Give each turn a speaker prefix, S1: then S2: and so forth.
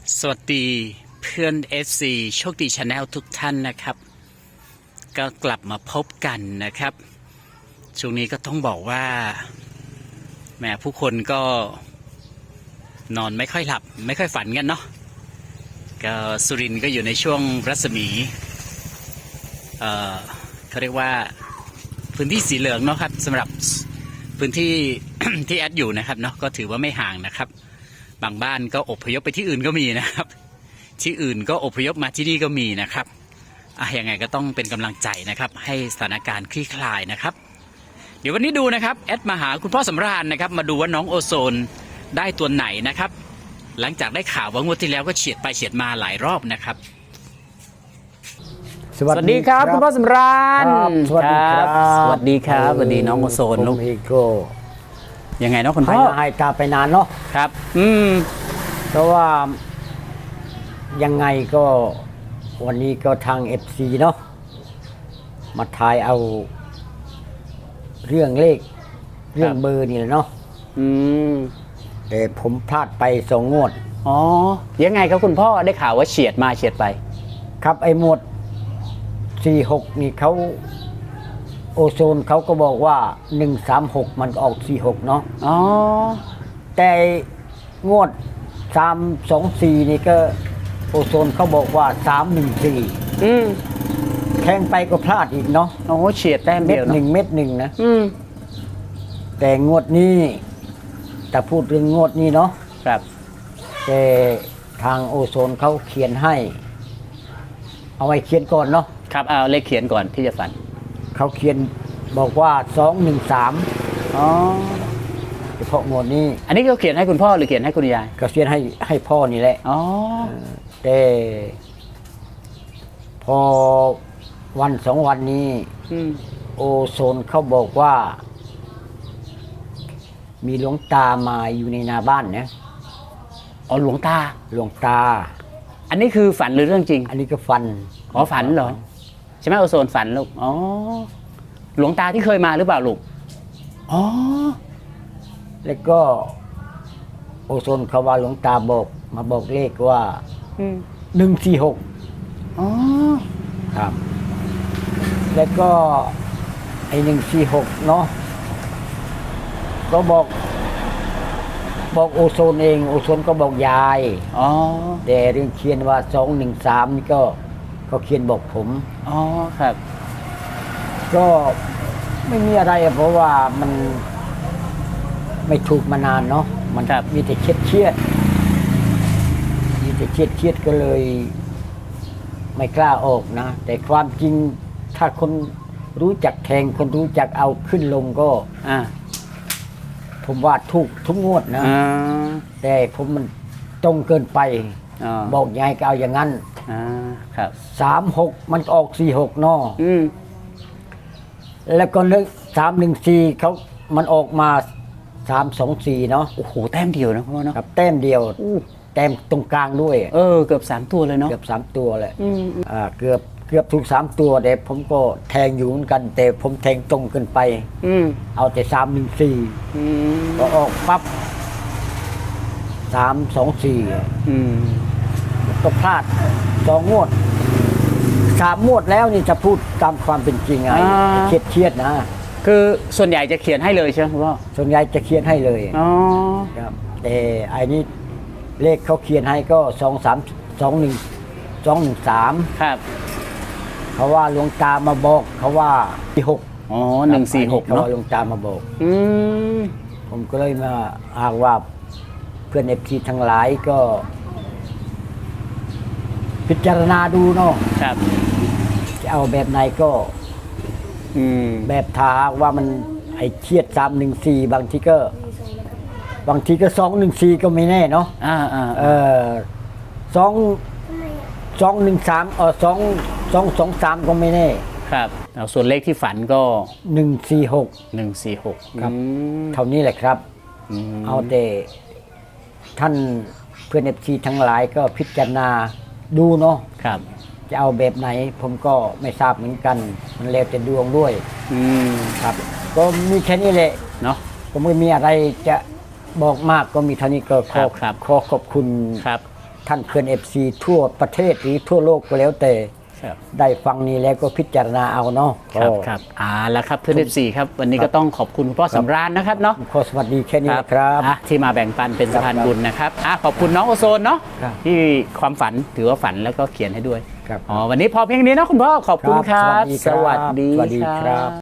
S1: สวัสดีเพื่อน FC โชคดีชาแนลทุกท่านนะครับก็กลับมาพบกันนะครับช่วงนี้ก็ต้องบอกว่าแหมผู้คนก็นอนไม่ค่อยหลับไม่ค่อยฝันกันเนาะก็สุรินทร์ก็อยู่ในช่วงรัศมีเขาเรียกว่าพื้นที่สีเหลืองเนาะครับสำหรับพื้นที่ ที่แอดอยู่นะครับเนาะก็ถือว่าไม่ห่างนะครับบางบ้านก็อพยพไปที่อื่นก็มีนะครับที่อื่นก็อพยพมาที่นี่ก็มีนะครับยังไงก็ต้องเป็นกำลังใจนะครับให้สถานการณ์คลี่คลายนะครับเดี๋ยววันนี้ดูนะครับแอดมาหาคุณพ่อสำราญนะครับมาดูว่าน้องโอโซนได้ตัวไหนนะครับหลังจากได้ข่าวว่างวดที่แล้วก็เฉียดไปเฉียดมาหลายรอบนะครับสวัสดีครับคุณพ่อสำราญ
S2: สวัสดีครับ
S1: สวัสดีครับสวัสดีน้องโอโซนลูกยังไงเนาะคุณพ่อ
S2: ให้ตาไปนานเนาะ
S1: ครับ
S2: เพราะว่ายังไงก็วันนี้ก็ทาง FC เนาะมาทายเอาเรื่องเลขเรื่องเบอร์นี่แหละเนาะแต่ผมพลาดไป2 งวด
S1: อ๋อยังไงครับคุณพ่อได้ข่าวว่าเฉียดมาเฉียดไป
S2: ครับไอ้หมวด46นี่เขาโอโซนเขาก็บอกว่า136มันออก46เนาะ
S1: อ๋อ
S2: แต่งวด324นี่ก็โอโซนเขาบอกว่า314แทงไปก็พลาดอีกเนาะ
S1: โอ้เฉียดแต้มเดียวเนาะ
S2: เม็ดหนึ่งนะแต่งวดนี้แต่พูดเรื่องงวดนี้เนาะ
S1: ครับ
S2: แต่ทางโอโซนเขาเขียนให้เอาไว้เขียนก่อนเนาะ
S1: ครับเอาเลขเขียนก่อนที่จะฝัน
S2: เขาเขียนบอกว่า213
S1: อ๋อ
S2: เฉพาะงวดนี้
S1: อันนี้เขาเขียนให้คุณพ่อหรือเขียนให้คุณยาย
S2: ก็เขียนให้พ่อนี่แหละ
S1: อ๋อ
S2: แต่พอวัน2 วันนี้โอโซนเขาบอกว่ามีหลวงตามาอยู่ในนาบ้านนะ
S1: อ๋อหลวงตา
S2: อั
S1: นนี้คือฝันหรือเรื่องจริง
S2: อันนี้ก็ฝัน
S1: อ๋อฝันเหรอใช่ไหมโอโซนฝันลูกอ๋อหลวงตาที่เคยมาหรือเปล่าลูกอ๋อ
S2: แล้วก็โอโซนเขาว่าหลวงตาบอกมาบอกเลขว่า146
S1: อ๋อ
S2: ครับแล้วก็ไอ้146เนาะก็บอกโอโซนเองโอโซนก็บอกยาย
S1: อ๋อ
S2: แต่เรื่องเขียนว่า213นี่ก็เขาเขียนบอกผม
S1: อ๋อครับ
S2: ก็ไม่มีอะไรเพราะว่ามันไม่ถูกมานานเนาะมันมีแต่เครียดก็เลยไม่กล้าออกนะแต่ความจริงถ้าคนรู้จักแทงคนรู้จักเอาขึ้นลงก็ผมว่าถูกทุกงวดนะแต่ผมมันตรงเกินไปบอกยังไงก็เอาอย่างนั้น
S1: ครับ
S2: 36มันออก46เนาะแล้วก็314เขามันออกมา324เนาะ
S1: โอ้โหแต้มเดียวนะพ่อเนาะ
S2: ครับแต้มเดียวแต้มตรงกลางด้วย
S1: เกือบ3ตัวเลยเนาะ
S2: เกือบ3ตัวเลยเกือบถูก3ตัวแต่ผมก็แทงอยู่เหมือนกันแต่ผมแทงตรงเกินไปเอาแต่314ก็ออกปั๊บ324ก็พลาด2 งวด3 งวดแล้วนี่จะพูดตามความเป็นจริงไงเครียดนะ
S1: คือส่วนใหญ่จะเขียนให้เลยใช่ไหมคุณพ่อ
S2: ส่วนใหญ่จะเขียนให้เลย
S1: อ๋อ
S2: ครับแต่ไอ้นี้เลขเขาเขียนให้ก็213
S1: ครับ
S2: เขาว่าหลวงตามาบอกเขาว่า46
S1: อ๋อ146เนาะ
S2: หลวงตามาบอกผมก็เลยมาอ้างว่าเพื่อนFTทั้งหลายก็พิจารณาดูเนาะ
S1: ครับ
S2: จะเอาแบบไหนก็แบบทาว่ามันไอ้เครียด314บางทีก็214ก็ไม่แน่เนาะ213 223ก็ไม่แน่
S1: ครับส่วนเลขที่ฝันก็
S2: 146ครับเท่านี้แหละครับเอาแต่ท่านเพื่อนFTทั้งหลายก็พิจารณาดูเนาะ
S1: ครับ
S2: จะเอาแบบไหนผมก็ไม่ทราบเหมือนกันมันแล้วแต่ดวงด้วยครับก็มีแค่นี้แหละ
S1: เนาะ
S2: ก็ไม่มีอะไรจะบอกมากก็มีเท่านี้ก็ขอขอบคุณ
S1: ครับ
S2: ท่านเพื่อน FC ทั่วประเทศหรือทั่วโลกก็แล้วแต่
S1: ครับ
S2: ได้ฟังนี้แล้วก็พิจารณาเอาเนาะ
S1: ครับครับแล้วครับเพื่อน F4 ครับวันนี้ก็ต้องขอบคุณคุณพ่อสำราญนะครับเนาะ
S2: ขอสวัสดีแค่นี้นะครับ
S1: ที่มาแบ่งปันเป็นสะพานบุญนะครับขอบคุณน้องโอโซนเนาะ
S2: ครับ
S1: ที่ความฝันถือว่าฝันแล้วก็เขียนให้ด้วย
S2: ครับ
S1: วันนี้พอเพียงนี้เนาะคุณพ่อขอบคุณครับ
S2: สวัสดีครับ
S1: สวัสดี
S2: สวัสดีครับ